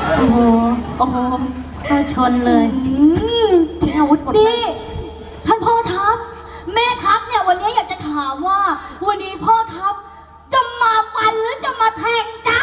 โอ้โหโอ้โหก็ชนเลยทิ้งอาวุธหมดเลนี่ยท่านพ่อทัพแม่ทัพเนี่ยวันนี้อยากจะถามว่าวันนี้พ่อทัพจะมาฟันหรือจะมาแทงจ๊ะ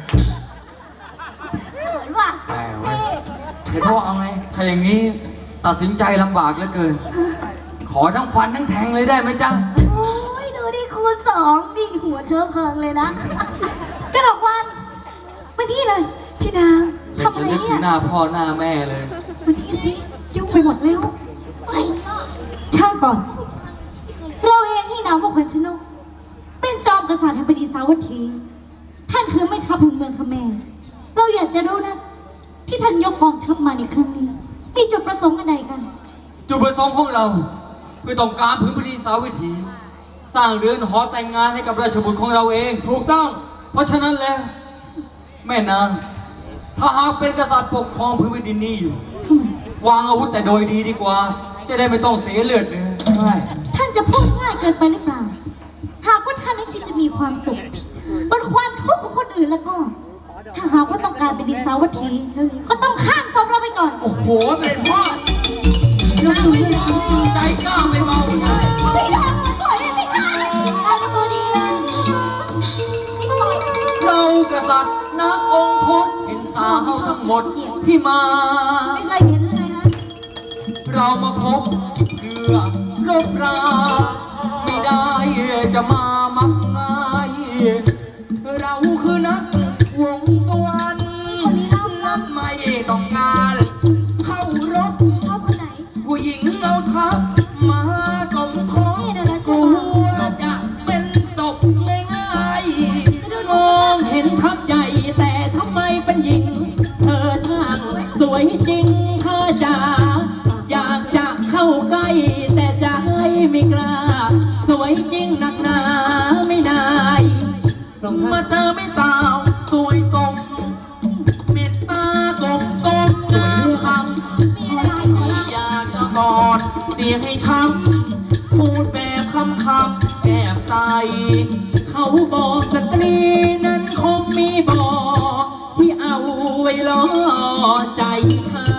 เขินว่ะแต่เว้ยเดี๋ยวพ่อเอาไงถ้าอย่างนี้ตัดสินใจลำบากเหลือเกิน ขอทั้งฟันทั้งแทงเลยได้ไหมจ๊ะโอ้ยดูดิคูณ2ดิหัวเชื้อเพลิงเลยนะกระดกวันมานี่เลยพี่นางอยากทำจะอะไรนึกถึเนี่งยหน้าพ่อหน้าแม่เลยวันนี้สิยุ่งไปหมดแล้วไม่ชอบช่างก่อน เราเองที่นามว่าขวัญชนกเป็นจอมกษัตริย์แห่งแผ่นดินสาวัตถี ท่านคือแม่ทัพแห่งเมืองคแมรเราอยากจะรู้นะที่ท่านยกกองทัพมาในครั้งนี้มีจุดประสงค์อะไรกันจุดประสงค์ของเราคือต้องการพื้นแผ่นดินสาวิถีสร้างเรือนหอแต่งงานให้กับราชบุตรของเราเองถูกต้องเพราะฉะนั้นแล้ว แม่นางถ้าหากเป็นกษัตริย์ปกครองพื้นแผ่นดินนี้อยู่ทำไมวางอาวุธแต่โดยดีดีกว่า จะได้ไม่ต้องเสียเลือดเนื้อใช่ท่านจะพูดง่ายเกินไปหรือเปล่า หากว่าท่านนั้นคิดจะมีความสุขบนความทุกข์ของคนอื่นแล้วก็ ถ้าหากว่าต้องการเป็นดินสาวัตถีก็ต้องข้ามศพเราไปก่อนโอ้โหเป็นพ่อเราไม่ยอมใจกล้าไม่เบาใช่ไม่ได้มาต่อยเลยไม่ได้เอามาตัวดีเลยไม่ต่อยเรากษัตริย์นักองค์ทศเห็นสาวทั้งหมดที่มาไม่เคยเห็นเลยนะเรามาพบเพื่อรบราไม่ได้จะมามักง่ายเราคือนักวงสวรรค์คนนี้เล่านั้นไม่ต้องการเข้ารบชอบคนไหนผู้หญิงเอาทัพมาสมทบกลัวจะเป็นศพง่ายๆมองเห็นทัพใหญ่แต่ทำไมเป็นหญิง เธอช่างสวยจริงเธอจ๋าอยากจะเข้าใกล้แต่ใจไม่กล้า สวยจริงหนักหนาไม่นายลองมามาเจอไม่สาวสวยสมเมตตากบกบงามคำที่อยากจะกอดเสียให้ช้ำพูดแบบคำแอบใสเขาบอกสตรีนั้นคงมีบอกที่เอาไว้ล่อใจเธอ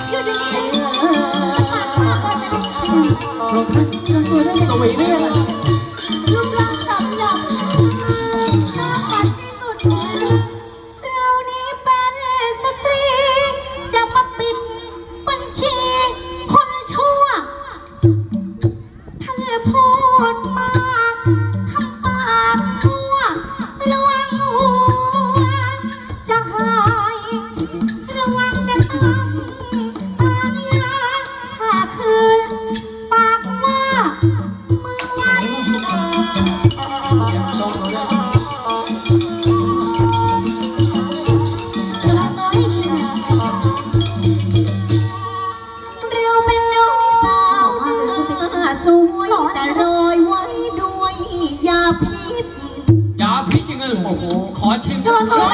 ลงท่านสวยเรื่องรูปร่างกำยำน่าฝันที่สุดเลยเรานี้เป็นสตรี จะมาปิดบัญชีคนชั่ว ท่านพูดมากคำปากทั่วระวังหัวจะหายระวังจะต้องปางยาถ้าคืนปากว่ามือไว้ เราน้อยดีนะเราเป็นน้องสาวหน้าสวยแต่โรยไว้ด้วยยาพิษยาพิษยังไงเหรอโอ้โห ขอชิมโดนตัว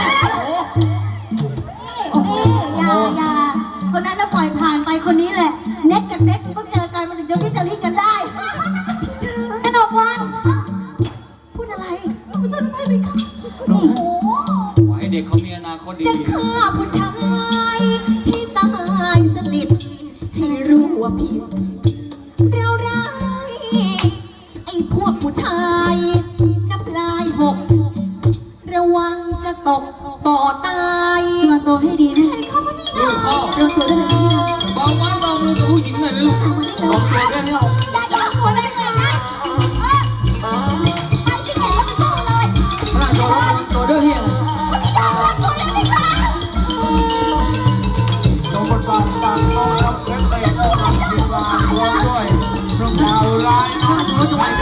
โอ้โหอย่าคนนั้นน่ะปล่อยผ่านไปคนนี้แหละ เน็ตกับเน็ตก็เจอกันมันถึงจะพิจารณากันได้กระดกวัน พูดอะไรไม่ต้องไม่ไปค่ะโอ้โหขอให้เด็กเขามีอนาคตดีจะฆ่าผู้ชายที่ตายสนิทให้รู้ว่าผิดเราร้ายไอ้พวกผู้ชายน้ำลายหก ระวังจะตกบ่อตายระวังตัวให้ดีนะๆลูกพ่อระวังตัวด้วยนะพี่นะเบาไม้เบามือกับผู้หญิงหน่อยนะลูกลองตัวด้วยนะอย่าหัวได้เลยนะไปที่ไหนก็ไปสู้เลยพระโจรตัวเรื่องเฮียไม่ยอมรับตัวเลยไม่กล้าจงประกาศตามกองทัพเพชรเตะผู้นำทีมงานพร้อมด้วยพระดาวร้ายนะพระโจรจะไหว